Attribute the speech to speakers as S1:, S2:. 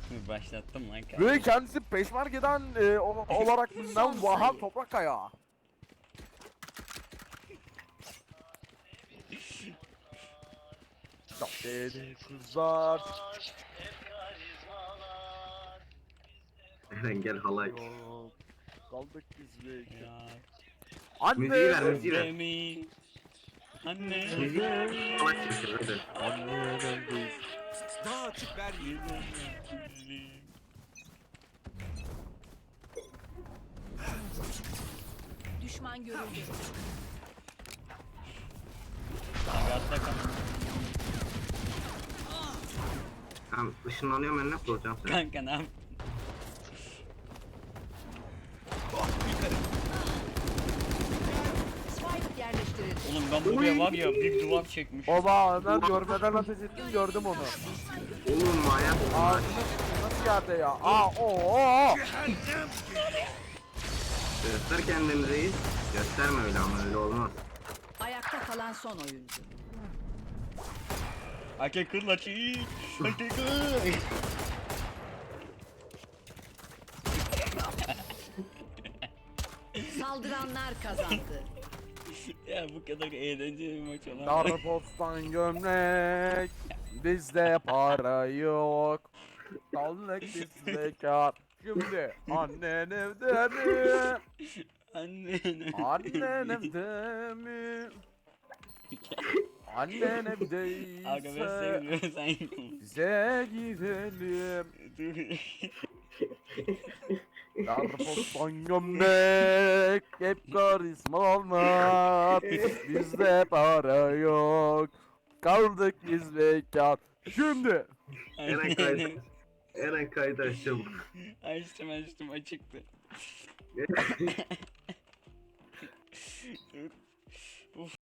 S1: Başlattım lan kanka.
S2: Ve kendisi Peşmerge'den olarak bilinen Vaha Toprakkaya. Dedi kızlar.
S3: Eren gel halay.
S2: Yok, kaldık biz bekle.
S1: Ya.
S3: Müziği ver,
S2: Anne.
S3: müziği ver.
S1: Demi. Anne.
S3: Müziği halay çekiyor hadi.
S2: Anne biz.
S4: Daha açık ver.
S5: Düşman görüldü.
S1: Kanka atla kanka.
S3: Tamam ışınlanıyorum ben ne yapacağım sen?
S1: Kanka ne yap?
S5: Spike yerleştirildi.
S1: Oğlum ben buraya var ya bir duvar çekmiş.
S2: Baba Ömer görmeden ateş ettim gördüm onu.
S3: Oğlum manyak.
S2: Ağzını nasıl yerde ya? Oo.
S3: Göster kendini reis. Gösterme öyle ama öyle olmaz.
S5: Ayakta kalan son oyuncu.
S1: Ake kırla çiğ. Ake kır.
S5: Saldıranlar kazandı.
S1: Ya bu kadar eğlenceli bir maç olamaz.
S2: Darpostan gömlek. Bizde para yok. Kaldık biz bekar. Şimdi annen evde mi?
S1: Anne.
S2: Annen evde mi? Annen
S1: Aga ben
S2: evdeyse
S1: sevmiyorum sen yapma.
S2: bize gidelim.
S1: Dur.
S2: Darpostan gömlek hep karizma olmaz. Bizde para yok. Kaldık biz bekar. Şimdi
S3: Eren kaydı. Eren kaydı açalım.
S1: Açtım açıktı. Dur. Uf.